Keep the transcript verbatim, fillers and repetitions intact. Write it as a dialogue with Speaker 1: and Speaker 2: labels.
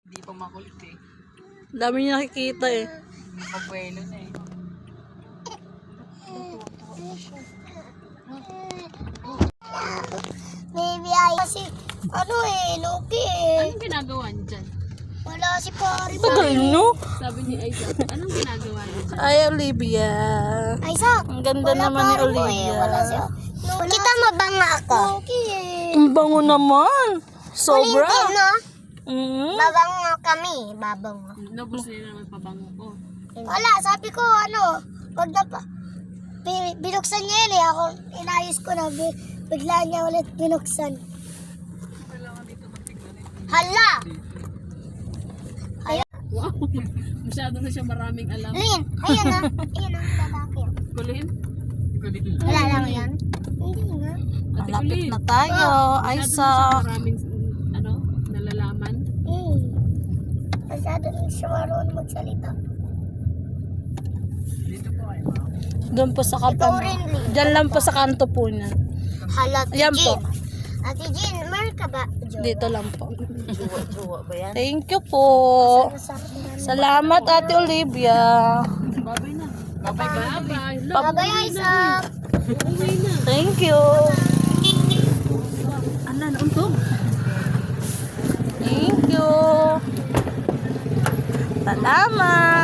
Speaker 1: Hindi pa makulit eh.
Speaker 2: Dami niya nakikita eh.
Speaker 1: Hindi pa buwelo na eh.
Speaker 3: Baby ay kasi ano eh, Loki eh.
Speaker 4: Anong ginagawa niyo dyan?
Speaker 3: Wala si pare.
Speaker 2: Tagal no?
Speaker 4: Sabi ni Isaac, anong ginagawa niyo dyan?
Speaker 2: Ay, Olivia.
Speaker 3: Ay, Sak.
Speaker 2: Ang ganda
Speaker 3: Wala
Speaker 2: naman ni
Speaker 3: pare mo eh.
Speaker 2: Olivia.
Speaker 3: Wala siya. Kita mabanga ako. Loki eh.
Speaker 2: Ang bango naman. Sobra.
Speaker 3: Ulitin no?
Speaker 2: Mm.
Speaker 3: Babango kami. Babango.
Speaker 4: Nabos nila naman pabango ko.
Speaker 3: Wala, sabi ko ano, wag na pa. Bi- binuksan niya yun eh. Ako, inayos ko na. Bi- bigla niya ulit binuksan. Hala!
Speaker 4: Wow! Masyado na siya maraming alam.
Speaker 3: Lin, ayan na. Ayan na, lalaki.
Speaker 4: Kulin?
Speaker 3: Wala lang yan. Hindi nga.
Speaker 4: Ate
Speaker 2: Malapit
Speaker 4: Kulin.
Speaker 2: na tayo. Ay,
Speaker 4: Masyado na
Speaker 2: sa...
Speaker 4: siya maraming ano, nalalaman.
Speaker 3: Eh. Masyado rin siya marunong magsalita.
Speaker 2: Doon po sa kanto.
Speaker 3: Ikaw rin, Lin.
Speaker 2: Diyan lang po sa kanto po niya.
Speaker 3: Hala, Ate
Speaker 2: Ayan po.
Speaker 3: Jean. Ate Jean, meron ka ba? Jo?
Speaker 2: Dito lang po.
Speaker 1: Jowa ba yan?
Speaker 2: Thank you po.
Speaker 3: Masarap na.
Speaker 2: Salamat, Ate Olivia.
Speaker 4: Babay na. Babay, babay. Love,
Speaker 3: Babay, Isaac.
Speaker 4: Babay na.
Speaker 2: Thank you.
Speaker 4: Ano, nauntog?
Speaker 2: Thank you. Salamat.